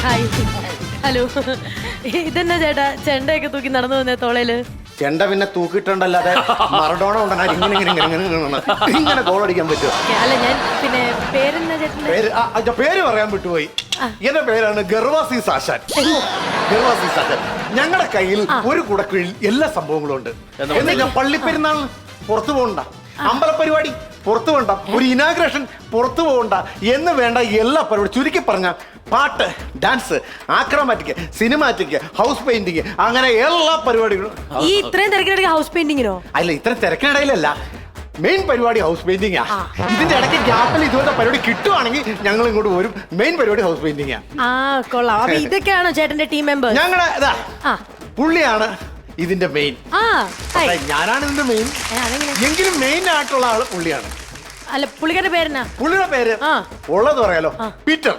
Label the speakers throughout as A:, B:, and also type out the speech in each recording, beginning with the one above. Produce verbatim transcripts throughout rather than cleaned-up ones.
A: Hi hello ഇതെന്നാ ചേട്ടാ ചെണ്ടയൊക്കെ തൂക്കി നടന്നു വന്നേ തോളയില്
B: ചെണ്ട പിന്നെ തൂക്കിയിട്ടുണ്ടല്ലാതെ മറഡോണ ഉണ്ടെന്നാൽ ഇങ്ങനെ ഇങ്ങനെ ഇങ്ങനെ ഇങ്ങനെ ഇങ്ങനെ ഗോൾ അടിക്കാൻ പറ്റുമോ?
A: അല്ല ഞാൻ പിന്നെ പേരെന്നാ ചേട്ടൻ്റെ
B: പേര് ആ, ആ, പേര് പറയാൻ വിട്ടുപോയി. എന്റെ പേരാണ് ഗർവാസി സാശാൻ. ഗർവാസി സാശാൻ. ഞങ്ങളുടെ കയ്യിൽ ഒരു കുടക്കീഴിൽ എല്ലാ സംഭവങ്ങളും ഉണ്ട്. എന്താ പള്ളിപ്പെരുന്നാൾ പുറത്തു പോകണ്ട, അമ്പലപരിപാടി പുറത്തു പോകണ്ട, ഒരു ഇനാഗ്രേഷൻ പുറത്തു പോകണ്ട എന്ന് വേണ്ട എല്ലാ പരിപാടി ചുരുക്കി പറഞ്ഞ പാട്ട്, dance, achromatic, cinematic, house painting, അങ്ങനെ എല്ലാ പരിപാടികളും.
A: ഈ ഇത്രയും തിരക്കിനിടയ്ക്ക് ഹൗസ് പെയിന്റിങ്ങിനോ?
B: അല്ല, ഇത്ര തിരക്കിനിടയിലല്ല, മെയിൻ പരിപാടി ഹൗസ് പെയിന്റിംഗ് ആ. ഇതിന്റെ ഇടയ്ക്ക് ഗ്യാപ്പിൽ ഇതുപോലത്തെ പരിപാടി കിട്ടുവാണെങ്കിൽ ഞങ്ങൾ ഇങ്ങോട്ട് വരും. മെയിൻ പരിപാടി ഹൗസ് പെയിന്റിംഗ്
A: ആ. കൊള്ളാം. അപ്പൊ ഇതൊക്കെയാണോ ചേട്ടന്റെ ടീം മെമ്പേഴ്സ്?
B: ഞങ്ങളുടെ ഇതാ പുള്ളിയാണ് ഇതിന്റെ മെയിൻ.
A: ആ
B: ഞാനാണ് ഇതിന്റെ മെയിൻ, എങ്കിലും മെയിൻ ആയിട്ടുള്ള ആള് പുള്ളിയാണ്.
A: അല്ല, പുള്ളിക്കാരുടെ പേരെന്നാ?
B: പുള്ളിയുടെ പേര് ഉള്ളത് പറയാലോ, പീറ്റർ.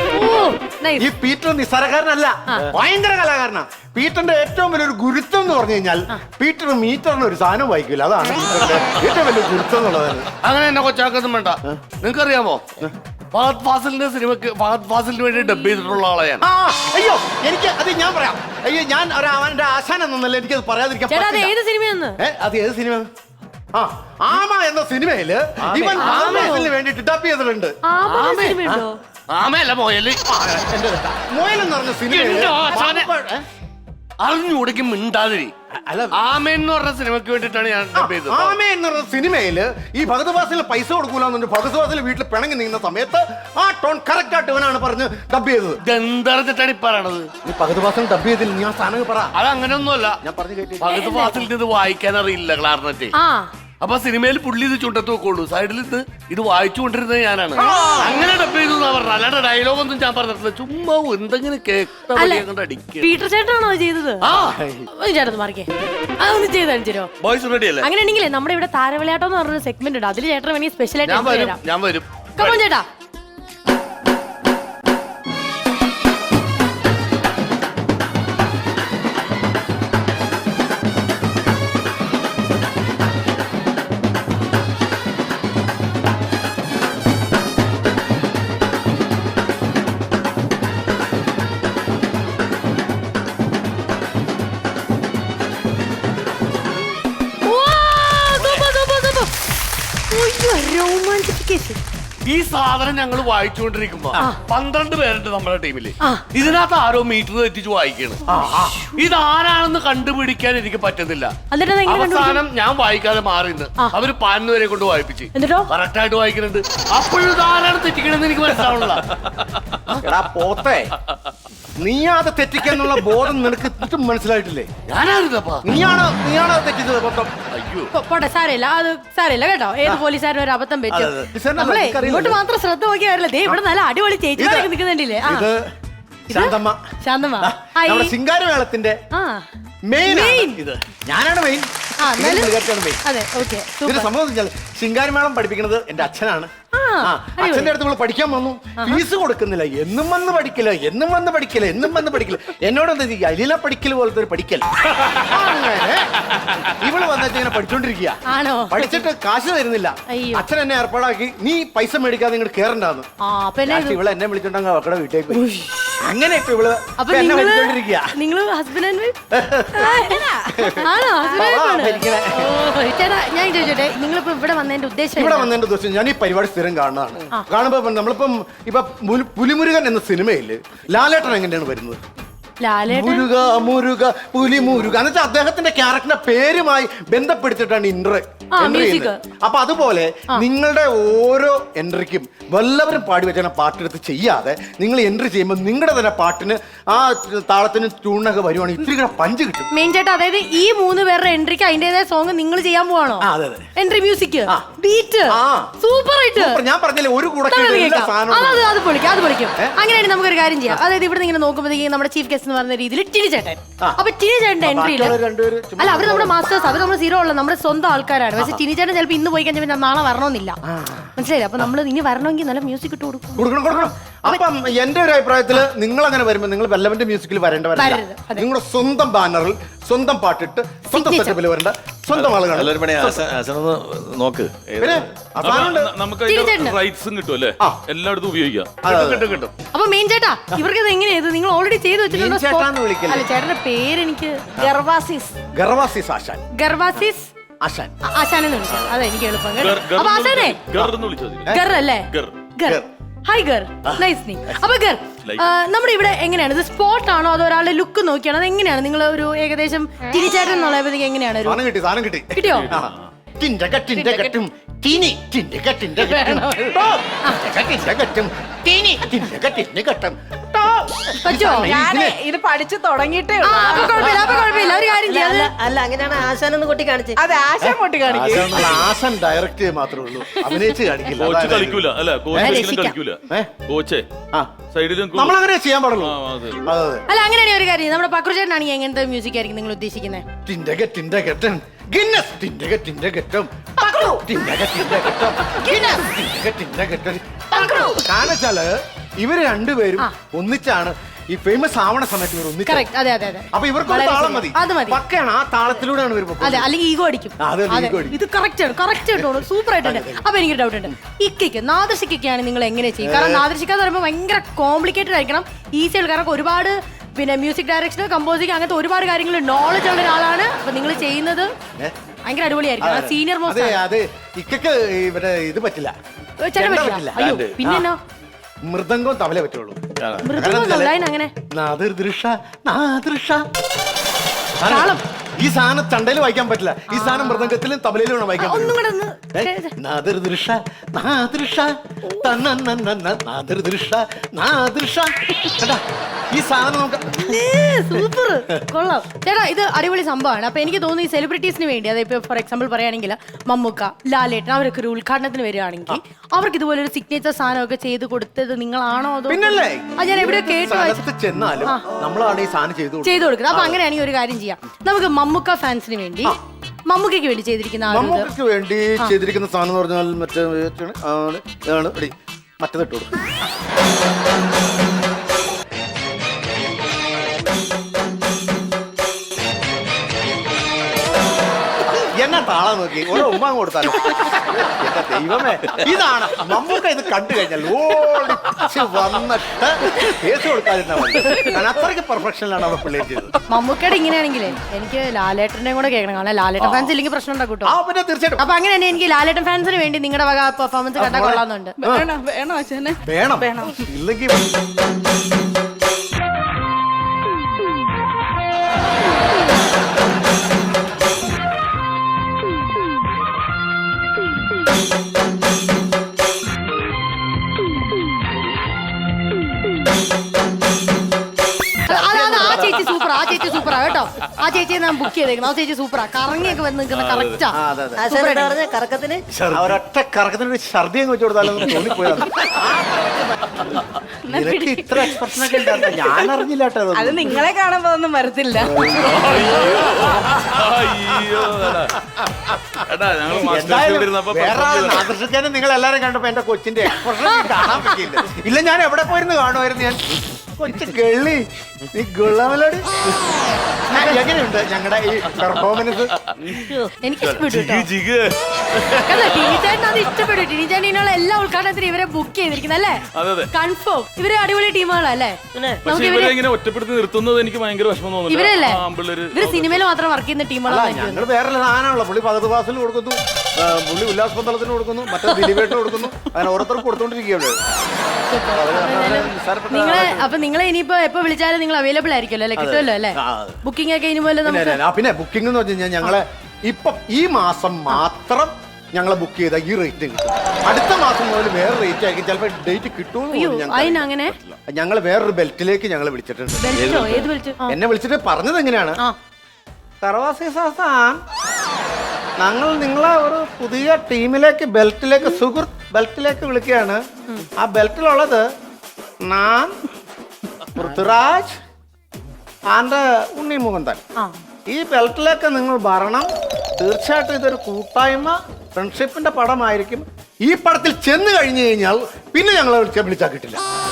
B: ഈ പീറ്റർ നിസ്സാരക്കാരനല്ല, ഭയങ്കര കലാകാരനാ. പീറ്ററിന്റെ ഏറ്റവും വലിയൊരു ഗുരുത്വം എന്ന് പറഞ്ഞു കഴിഞ്ഞാൽ പീറ്റർ മീറ്ററിന് ഒരു സാധനം വായിക്കില്ല. അതാണ് പീറ്ററിന്റെ ഏറ്റവും വലിയ ഗുരുത്വം എന്നുള്ളത്.
C: അങ്ങനെ എന്നെ കൊച്ചാക്കൊന്നും വേണ്ട. നിങ്ങൾക്കറിയാമോ, ഫഹദ് ഫാസിലിന്റെ സിനിമക്ക് ഫഹദ് ഫാസിലിന് വേണ്ടി ഡബ് ചെയ്തിട്ടുള്ള ആളെ ഞാൻ.
B: അയ്യോ, എനിക്ക് അത് ഞാൻ പറയാം. അയ്യോ, ഞാൻ അവന്റെ ആശാൻ എന്നല്ല, എനിക്കത് പറയാതിരിക്കാൻ പറ്റില്ല.
A: ഏത് സിനിമയെന്ന്?
B: അത് ഏത് സിനിമ? ആ, ആമ എന്ന സിനിമയില് ഇവൻ ആമേസിന് വേണ്ടിട്ട് ഡബ് ചെയ്തിട്ടുണ്ട്.
C: ആമയല്ല, മോയല്.
B: മോയൽ എന്ന് പറഞ്ഞ സിനിമ
C: അറിഞ്ഞുകൂടിക്കും മിണ്ടാതിരി. ആമയെന്ന് പറഞ്ഞ സിനിമയ്ക്ക് വേണ്ടിട്ടാണ് ഞാൻ ഡബ് ചെയ്തത്.
B: ആമ എന്ന് പറഞ്ഞ സിനിമയില് ഈ ഭഗത് ഫാസിലിന് പൈസ കൊടുക്കൂലെന്നു ഭഗത് ഫാസിൽ വീട്ടിൽ പിണങ്ങി നീങ്ങുന്ന സമയത്ത് ആ ടോൺ കറക്റ്റ് ആയിട്ട് ഇവനാണ് പറഞ്ഞ് ഡബ് ചെയ്തത്.
C: എന്തറിഞ്ഞിട്ടാണ് ഈ പറയണത്?
B: ഈ ഭഗത് ഫാസിൽ ഡബ് ചെയ്തില്ല, ഞാൻ സാധനം പറ.
C: അത് അങ്ങനെയൊന്നുമല്ല, ഞാൻ പറഞ്ഞു. ഭഗത് ഫാസിലിന് ഇത് വായിക്കാൻ അറിയില്ല, ക്ലാർനെറ്റ്. അപ്പൊ സിനിമയിൽ പുള്ളി ഇത് ചുണ്ടത്ത് വെക്കുള്ളൂ, സൈഡിൽ ഇത് ഇത് വായിച്ചുകൊണ്ടിരുന്നത് ഞാനാണ്. അങ്ങനെ ഡബ് ചെയ്തു എന്നാ പറഞ്ഞത്, അല്ലാണ്ട് ഡയലോഗ് ഒന്നും ഞാൻ പറഞ്ഞിട്ടില്ല. ചുമ്മാ എന്തെങ്കിലും കേട്ടോ അടിക്കുക.
A: പീറ്റർ ചേട്ടനാണോ ചെയ്തത്? ചേട്ടൻ മാറിക്കേ, അതൊന്ന് ചെയ്ത് കാണിച്ചോ.
C: ബോയ്സ് റെഡി അല്ലേ?
A: അങ്ങനെയാണെങ്കിലേ നമ്മുടെ ഇവിടെ താരവിളയാട്ടം എന്ന് പറഞ്ഞൊരു സെഗ്മെന്റ് ഉണ്ട്, അതിൽ ചേട്ടൻ വേണമെങ്കിൽ സ്പെഷ്യൽ ആയിട്ട്
C: ഞാൻ വരും. ഞാൻ വരും.
A: കമോൺ ചേട്ടാ.
C: ഈ സാധനം ഞങ്ങൾ വായിച്ചുകൊണ്ടിരിക്കുമ്പോ പന്ത്രണ്ട് പേരുണ്ട് നമ്മുടെ ടീമില്. ഇതിനകത്ത് ആരോ മീറ്റർ തെറ്റിച്ച് വായിക്കാണ്. ഇതാരാണെന്ന് കണ്ടുപിടിക്കാൻ എനിക്ക് പറ്റുന്നില്ല. അവസാനം ഞാൻ വായിക്കാതെ മാറിന്ന് അവര് പതിനൊന്ന് വരെ കൊണ്ട് വായിപ്പിച്ച് കറക്റ്റ് ആയിട്ട് വായിക്കുന്നുണ്ട്. അപ്പോഴും ഇതാരാണ് തെറ്റിക്കണെന്ന് എനിക്ക് മനസ്സിലാവണില്ല.
B: പോത്തെ, നീ അത് തെറ്റിക്കാനുള്ള ബോധം നിനക്ക് ഇതും മനസ്സിലായിട്ടില്ലേ?
C: ഞാനായിരുന്നപ്പാ.
B: നീയാണ് നീയാണ് തെറ്റിച്ചത് മൊത്തം.
C: അയ്യോ,
A: പോട്ടെ, സാരമില്ല, അത് സാരമില്ല കേട്ടോ. ഏത് പോലീസുകാരനും ഒരു അബദ്ധം പറ്റും. നമ്മളെ ഇങ്ങോട്ട് മാത്രം ശ്രദ്ധ നോക്കിയാറില്ല. ദേ ഇവിടെ നല്ല അടിപൊളി ചേച്ചിമാരൊക്കെ നിൽക്കുന്നുണ്ടില്ലേ?
B: ശാന്തമ്മ.
A: ശാന്തമ്മ
B: ശിങ്കാരമേളത്തിന്റെ മെയിൻ ഇത്. ഞാനാണ് മെയിൻ. സംഭവം ശിങ്കാരമേളം പഠിപ്പിക്കുന്നത് എന്റെ അച്ഛനാണ്. അച്ഛന്റെ അടുത്ത് നമ്മൾ പഠിക്കാൻ വന്നു, ഫീസ് കൊടുക്കുന്നില്ല. എന്നും വന്ന് പഠിക്കല, എന്നും വന്ന് പഠിക്കല, എന്നും വന്ന് പഠിക്കല. എന്നോട് എന്താ ചെയ്യുക, അലില പഠിക്കൽ പോലത്തെ ഒരു പഠിക്കൽ. അങ്ങനെ ഇവള് വന്നിട്ട് ഇങ്ങനെ പഠിച്ചോണ്ടിരിക്കുക. പഠിച്ചിട്ട് കാശ് തരുന്നില്ല. അച്ഛൻ എന്നെ ഏർപ്പാടാക്കി, നീ പൈസ മേടിക്കാതെ ഇങ്ങോട്ട് കേറണ്ടാന്ന്. ഇവള് എന്നെ വിളിച്ചോണ്ടെങ്കിൽ അവക്കടെ വീട്ടേക്ക്. അങ്ങനെ ഇപ്പൊ ഇവള് എന്നെ പഠിച്ചോണ്ടിരിക്കുക.
A: ഞാൻ ചോദിച്ചോട്ടെ, നിങ്ങളിപ്പോ ഇവിടെ വന്നതിന്റെ ഉദ്ദേശം?
B: ഇവിടെ വന്നതിന്റെ ഉദ്ദേശം ഞാൻ ഈ പരിപാടി സ്ഥിരം കാണുന്നതാണ്. കാണുമ്പോ നമ്മളിപ്പം ഇപ്പൊ പുലിമുരുകൻ എന്ന സിനിമയില് ലാലേട്ടൻ എങ്ങനെയാണ് വരുന്നത്? മുരുക മുരുക പുലി മുരുക എന്ന് വെച്ചാൽ അദ്ദേഹത്തിന്റെ ക്യാരക്ടറിന്റെ പേരുമായി ബന്ധപ്പെടുത്തിയിട്ടാണ് ഇൻട്രോ എൻട്രി ചെയ്യുന്നത്. അപ്പൊ അതുപോലെ നിങ്ങളുടെ ഓരോ എൻട്രിക്കും വല്ലവരും പാടി വെച്ചാൽ പാട്ടെടുത്ത് ചെയ്യാതെ നിങ്ങൾ എൻട്രി ചെയ്യുമ്പോൾ നിങ്ങളുടെ തന്നെ പാട്ടിന് ആ താളത്തിന് ട്യൂണൊക്കെ വരുവാണെങ്കിൽ ഇത്തിരി കൂടെ പഞ്ച് കിട്ടും.
A: മെയിൻ ചേട്ടാ, അതായത് ഈ മൂന്ന് പേരുടെ എൻട്രിക്ക് അതിന്റേതായ സോങ് നിങ്ങൾ ചെയ്യാൻ പോവാണോ? എൻട്രി മ്യൂസിക്, ബീറ്റ്, സൂപ്പർ ആയിട്ട്.
B: ഞാൻ പറഞ്ഞില്ലേ, ഒരു കൂടെ
A: അത് പൊളിക്കും, അത് പൊളിക്കും. അങ്ങനെയാണെങ്കിൽ നമുക്കൊരു കാര്യം ചെയ്യാം. അതായത് ഇവിടെ ഇങ്ങനെ നോക്കുമ്പോഴത്തേക്ക് നമ്മുടെ ചീഫ് ഗസ്റ്റ് എന്ന് പറഞ്ഞ രീതിയിൽ ടിനി ചേട്ടൻ. അപ്പൊ ടിനി ചേട്ടന്റെ എൻട്രിയിൽ അല്ല, അവര് നമ്മുടെ മാസ്റ്റേഴ്സ്, അവര് നമ്മുടെ സീറോ ഉള്ള നമ്മുടെ സ്വന്തം ആൾക്കാരാണ്. പക്ഷെ ടിനി ചേട്ടൻ ചിലപ്പോൾ ഇന്ന് പോയി കഴിഞ്ഞാൽ നാളെ വരണമെന്നില്ല, മനസ്സിലായില്ല? അപ്പൊ നമ്മൾ ഇനി വരണമെങ്കിൽ നല്ല മ്യൂസിക് ഇട്ട് കൊടുക്കും.
B: കൊടുക്കണം കൊടുക്കണം അപ്പം എന്റെ ഒരു അഭിപ്രായത്തില് നിങ്ങൾ അങ്ങനെ വരുമ്പോൾ നിങ്ങൾ വെല്ലവന്റെ മ്യൂസിക്കിൽ വരേണ്ടവരല്ല. നിങ്ങളുടെ സ്വന്തം ബാനറിൽ സ്വന്തം പാട്ടിട്ട് സ്വന്തം സെറ്റപ്പിൽ വരേണ്ട സ്വന്തം ആളുകൾ
D: എല്ലാവരും പണി ആശാനൊന്ന് നോക്ക്.
B: പിന്നെ അവസാനം
E: നമുക്ക്
A: തിരിച്ചേട്ടന്.
E: റൈറ്റ്സും കിട്ടും അല്ലേ? എല്ലായിടത്തും ഉപയോഗിക്കാം.
C: കിട്ടും കിട്ടും.
A: അപ്പൊ മെയിൻ ചേട്ടാ ഇവർക്ക് ഇത് എങ്ങനെയത് നിങ്ങൾ ഓൾറെഡി ചെയ്ത് വെച്ചിട്ടുണ്ടോ?
B: മീൻ ചേട്ടാന്ന് വിളിക്കല്ലേ?
A: അല്ല ചേട്ടന്റെ പേരെനിക്ക് ഗർവാസിസ്
B: ഗർവാസിസ് ആശാൻ.
A: ഗർവാസിസ്
B: ആശാൻ
A: ആശാനെന്ന് വിളിക്കാം. അതെ എനിക്ക് എളുപ്പം.
E: ഗർ- ഗർ
A: അപ്പൊ ആശാനെ
E: ഗർ എന്ന് വിളിച്ചാൽ മതി.
A: ഗർ അല്ലേ?
E: ഗർ.
A: ഗർ. ഹായ് ഗർ. നൈസ് നീ. അപ്പൊ ഗർ ആ, നമ്മുടെ ഇവിടെ എങ്ങനെയാണ് ഇത്? സ്പോട്ട് ആണോ അതോ ഒരാളുടെ ലുക്ക് നോക്കിയാണോ? അത് എങ്ങനെയാണ് നിങ്ങൾ ഒരു ഏകദേശം തിരിച്ചേട്ടൻ എന്നുള്ളപ്പോഴത്തേക്ക് എങ്ങനെയാണ് ഒരു
B: സാധനം കിട്ടി സാധനം കിട്ടി
A: കിട്ടിയോ?
B: ടിൻഡക ടിൻഡകറ്റും ടീനി ടിൻഡക ടിൻഡകറ്റും ടോ. ടിൻഡക ടിൻഡകറ്റും ടീനി ടിൻഡക ടിൻഡകറ്റും ടോ.
A: പറ്റോ?
F: ഞാനേ ഇത് പഠിച്ചു തുടങ്ങിയിട്ടേ
A: ആ, അപ്പൊ കുഴപ്പമില്ല അപ്പൊ കുഴപ്പമില്ല ഒരു കാര്യം ചെയ്യാം.
G: അല്ല അല്ല അങ്ങനെയാണ് ആശാനൊന്ന് കൊട്ടി കാണിച്ചത്.
F: അത് ആശ പൊട്ടി കാണിക്കും.
B: ആശാൻ അല്ല, ആശാൻ ഡയറക്റ്റ് മാത്രമേ ഉള്ളൂ, അഭിനയിച്ച് കാണിക്കില്ല.
E: കോച്ച്
B: അതാണ്
E: കളിക്കൂല അല്ലെ? കോച്ച് ഒരിക്കലും കളിക്കൂല.
B: ഏ?
E: കോച്ചേ
B: ആ,
E: സൈഡിലും കൂ-
B: നമ്മളങ്ങനെ ചെയ്യാൻ പാടുള്ളൂ.
E: ആ, അതെ.
B: അതെ അതെ.
A: അല്ല അങ്ങനെയാണെങ്കിൽ ഒരു കാര്യം നമ്മുടെ പക്രുചേട്ടനാണെങ്കിൽ എങ്ങനത്തെ മ്യൂസിക് ആയിരിക്കും നിങ്ങൾ ഉദ്ദേശിക്കുന്നത്?
B: ടിൻഡക ടിൻഡകറ്റൻ ഗിന്നസ് ടിൻഡക ടിൻഡകറ്റം പക്രു ടിൻഡക ടിൻഡകറ്റം ഗിന്നസ് ടിൻഡക ടിൻഡകറ്റം പക്രു. കാരണം വെച്ചാല് ഇവര് രണ്ടുപേരും ഒന്നിച്ചാണ് ഈ ഫേമസ് ആവണ സമയത്ത് ഇവർ ഒന്നിച്ച്.
A: കറക്റ്റ്. അതെ അതെ അതെ.
B: അപ്പൊ ഇവർക്ക് ഒരു
A: വളരെ
B: താളം
A: ശരി.
B: മതി.
A: അത് മതി.
B: പക്കയാണ് ആ താളത്തിലൂടെയാണ് ഇവർ
A: അതെ അല്ലെങ്കിൽ ഈഗോ അടിക്കും.
B: ആ, അതെ,
A: അതെ.
B: ego അടിക്കും.
A: ഇത് കറക്റ്റ് ആണ് കറക്റ്റ് ആയിട്ടോ സൂപ്പർ ആയിട്ടുണ്ട്. അപ്പൊ എനിക്കൊരു ഡൗട്ട് ഉണ്ട്. ഇക്കയ്ക്ക് നാദർശിക്കൊക്കെയാണ് നിങ്ങൾ എങ്ങനെ ചെയ്യും? കാരണം നാദർശിക്ക എന്ന് പറയുമ്പോൾ ഭയങ്കര കോംപ്ലിക്കേറ്റഡ് ആയിരിക്കണം. ഈസി ആയിട്ട് കാരണം ഒരുപാട് പിന്നെ മ്യൂസിക് ഡയറക്ഷൻ കമ്പോസിങ് അങ്ങനത്തെ ഒരുപാട് കാര്യങ്ങൾ നോളജ് ഉള്ള ഒരാളാണ്. അപ്പൊ നിങ്ങൾ ചെയ്യുന്നത് ഭയങ്കര അടിപൊളിയായിരിക്കും. സീനിയർ
B: അതെ
A: മോസ്റ്റ്
B: അതെ. ഇക്കക്ക് ഇവിടെ ഇത് പറ്റില്ല,
A: ചേട്ടൻ
B: ചെണ്ട
A: പറ്റില്ല.
B: പറ്റില്ല.
A: അയ്യോ പിന്നെന്നോ
B: മൃദംഗവും തവലേ പറ്റുള്ളൂ.
A: മൃദംഗം അങ്ങനെ
B: നാദൃദൃഷ നാദൃഷ
A: താളം.
B: ഈ സാധനം ചണ്ടയിൽ വായിക്കാൻ പറ്റില്ല. ഈ സാധനം മൃദംഗത്തിലും തബലയിലും വേണം വായിക്കാൻ
A: ഒന്നും കൂടെ
B: പറ്റുള്ളൂ.
A: ഒന്ന്
B: ഏ? നാദൃദൃഷ നാദൃഷ തന്നന്നന്ന നാദൃദൃഷ നാദൃഷ. കണ്ടാ? ഈ സാധനം നമുക്ക്
A: സൂപ്പർ കൊള്ളാം ചേട്ടാ. ഇത് അടിപൊളി സംഭവമാണ്. അപ്പൊ എനിക്ക് തോന്നുന്നു ഈ സെലിബ്രിറ്റീസിന് വേണ്ടി അതായത് ഇപ്പൊ ഫോർ എക്സാമ്പിൾ പറയുകയാണെങ്കിൽ മമ്മൂക്ക, ലാലേട്ടൻ അവരൊക്കെ ഒരു ഉദ്ഘാടനത്തിന് വരികയാണെങ്കിൽ അവർക്ക് ഇതുപോലെ ഒരു സിഗ്നേച്ചർ സാധനമൊക്കെ ചെയ്ത് കൊടുത്തത് നിങ്ങളാണോ അതോ?
B: പിന്നല്ലേ
A: അത് ഞാൻ എവിടെയോ കേട്ടു വായിച്ചു.
B: സ്ഥലത്ത് ചെന്നാലും നമ്മളാണ് ഈ സാധനം ചെയ്തു കൊടുക്കുന്നത്.
A: ചെയ്തു കൊടുക്കുന്നത്. അപ്പൊ അങ്ങനെയാണെങ്കിൽ ഒരു കാര്യം ചെയ്യാം. നമുക്ക് മമ്മൂക്ക ഫാൻസിന് വേണ്ടി മമ്മൂക്കയ്ക്ക് വേണ്ടി ചെയ്തിരിക്കുന്ന ആ ഒരു ഇത്.
B: മമ്മൂക്കയ്ക്ക് വേണ്ടി ചെയ്തിരിക്കുന്ന സാധനം എന്ന് പറഞ്ഞാൽ മറ്റേ ആണ് ഇതാണ് എടി, മറ്റേത് ഇട്ടു കൊടുക്കും. എന്നാ താളം നോക്കി ഓരോ ഉമ്മ കൊടുത്താലും എന്റെ ദൈവമേ, ഇതാണ് മമ്മൂക്ക. ഇത് കണ്ടു കഴിഞ്ഞാൽ ഓടിച്ച് വന്നിട്ട് കേസ് കൊടുക്കാതിരുന്ന മതി. ഞാൻ അത്രയ്ക്ക് പെർഫെക്ഷനിലാണ് അവിടെ പിള്ളേർ ചെയ്തത്.
A: മമ്മൂക്കയുടെ ഇങ്ങനെയാണെങ്കിലേ എനിക്ക് ലാലേട്ടനെ കൂടെ കേൾക്കണം. കാരണം ലാലേട്ടൻ ഫാൻസ് ഇല്ലെങ്കിൽ പ്രശ്നം ഉണ്ടാക്കും കേട്ടോ.
B: ആ പിന്നെ തീർച്ചയായിട്ടും
A: അപ്പൊ അങ്ങനെ തന്നെ എനിക്ക് ലാലേട്ടൻ ഫാൻസിന് വേണ്ടി നിങ്ങളുടെ വക പെർഫോമൻസ് കണ്ടാൽ കൊള്ളാന്നുണ്ട്.
F: വേണോ വേണോ ആശാനെ?
B: വേണം വേണം ഇല്ലെങ്കിൽ
A: അതാണ് ആ ചേച്ചി സൂപ്പർ. ആ ചേച്ചി സൂപ്പറാ കേട്ടോ. ആ ചേച്ചിയെ ഞാൻ ബുക്ക് ചെയ്തേക്കണം. ആ ചേച്ചി സൂപ്പറാ. കറങ്ങിയൊക്കെ വന്ന് നിൽക്കുന്ന കറക്റ്റാ.
B: ആ, അതെ അതെ.
G: ആശാൻ എന്താ പറഞ്ഞ കറക്കത്തിന്?
B: ആ ഒരൊറ്റ കറക്കത്തിനൊരു ഛർദി അങ്ങ് വെച്ച് കൊടുത്താലും തോന്നിപ്പോയതാണ്. നിനക്ക് ഇത്ര എക്സ്പ്രഷൻ ഒക്കെ ഉണ്ടായിരുന്നു, ഞാൻ അറിഞ്ഞില്ല കേട്ടോ
F: അത്
B: അതൊന്നും.
F: നിങ്ങളെ കാണുമ്പോ ഒന്നും വരത്തില്ല.
E: അയ്യോ എടാ. എടാ ഞങ്ങൾ മാസ്റ്റർ
B: എന്തായാലും
E: ഇരുന്നപ്പോ
B: വേറെ ആദർശിക്കാനും നിങ്ങൾ എല്ലാരും കണ്ടപ്പോ എന്റെ കൊച്ചിന്റെ എക്സ്പ്രഷൻ കാണാൻ പറ്റിയില്ല. ഇല്ല ഞാൻ എവിടെ പോയിരുന്നു കാണുമായിരുന്നു ഞാൻ. കൊച്ചു ഗള്ളി നീ ഗുള്ളമലോട് എങ്ങനെയുണ്ട് ഞങ്ങളുടെ ഈ പെർഫോമൻസ്?
A: എനിക്ക് ഇഷ്ടപ്പെട്ടു കേട്ടോ.
E: ജിഗ് ജിഗ്.
A: അതെ, ടിനിചേട്ടൻ അത് ഇഷ്ടപ്പെട്ടു. ടിനിചേട്ടനുള്ള എല്ലാ ഉദ്ഘാടനത്തിനും ഇവരെ ബുക്ക് ചെയ്തിരിക്കുന്നത് അല്ലേ?
E: അതെ അതെ.
A: കൺഫേം. ഇവര് അടിപൊളി ടീമുകളല്ലേ?
E: പക്ഷെ ഇവരെ ഇങ്ങനെ ഒറ്റപ്പെടുത്തി നിർത്തുന്നത് എനിക്ക് ഭയങ്കര വിഷമം തോന്നുന്നു.
A: ഇവരല്ലേ
E: ആ, പിള്ളേര്
A: ഇവര് സിനിമയിൽ മാത്രം വർക്ക് ചെയ്യുന്ന
B: അല്ല
A: ടീമുകളാണ്.
B: ഞങ്ങൾ വേറെ സാധനമാണല്ലോ. പുള്ളി പകത് ക്ലാസ്സിന് കൊടുക്കുന്നു, ആ, പുള്ളി ഉല്ലാസ് പന്തളത്തിന് കൊടുക്കുന്നു, മറ്റേ ദിലീപേട്ടിന് കൊടുക്കുന്നു. അങ്ങനെ ഓരോരുത്തർക്ക് കൊടുത്തോണ്ടിരിക്കുകയാണ്.
A: നിങ്ങളെ അപ്പൊ നിങ്ങളെ ഇനിയിപ്പോ എപ്പോ വിളിച്ചാലും നിങ്ങൾ അവൈലബിൾ ആയിരിക്കുമല്ലോ അല്ലെ? കിട്ടുമല്ലോ അല്ലേ?
B: ആ, അതെ.
A: ബുക്കിംഗ് ഒക്കെ ഇനി പോലെ നമുക്ക്
B: പിന്നെ ബുക്കിംഗ് എന്ന് വെച്ച് കഴിഞ്ഞാൽ ഞങ്ങളെ ഇപ്പം ഈ മാസം മാത്രം ഞങ്ങളെ ബുക്ക് ചെയ്ത ഈ റേറ്റ് കിട്ടും. അടുത്ത മാസം മുതൽ വേറെ റേറ്റ് ആയിരിക്കും. ചിലപ്പോൾ ഡേറ്റ് കിട്ടുമെന്ന്
A: അതിനങ്ങനെ
B: ഞങ്ങൾ വേറൊരു ബെൽറ്റിലേക്ക് ഞങ്ങൾ വിളിച്ചിട്ടുണ്ട്.
A: ബെൽറ്റോ? ഏത് ബെൽറ്റ്?
B: എന്നെ വിളിച്ചിട്ട് പറഞ്ഞത് എങ്ങനെയാണ്, തറവാസി സാസാൻ ഞങ്ങൾ നിങ്ങളെ ഒരു പുതിയ ടീമിലേക്ക് ബെൽറ്റിലേക്ക് സുഹൃത്ത് ബെൽറ്റിലേക്ക് വിളിക്കുകയാണ്. ആ ബെൽറ്റിലുള്ളത് ഞാൻ പൃഥ്വിരാജ് ആൻഡ് ഉണ്ണി മുകുന്ദൻ. ഈ ബെൽറ്റിലേക്ക് നിങ്ങൾ വരണം. തീർച്ചയായിട്ടും ഇതൊരു കൂട്ടായ്മ ഫ്രണ്ട്ഷിപ്പിന്റെ പടമായിരിക്കും. ഈ പടത്തിൽ ചെന്ന് കഴിഞ്ഞു കഴിഞ്ഞാൽ പിന്നെ ഞങ്ങളെ വിളിച്ചാൽ വിളിച്ചാൽ കിട്ടില്ല.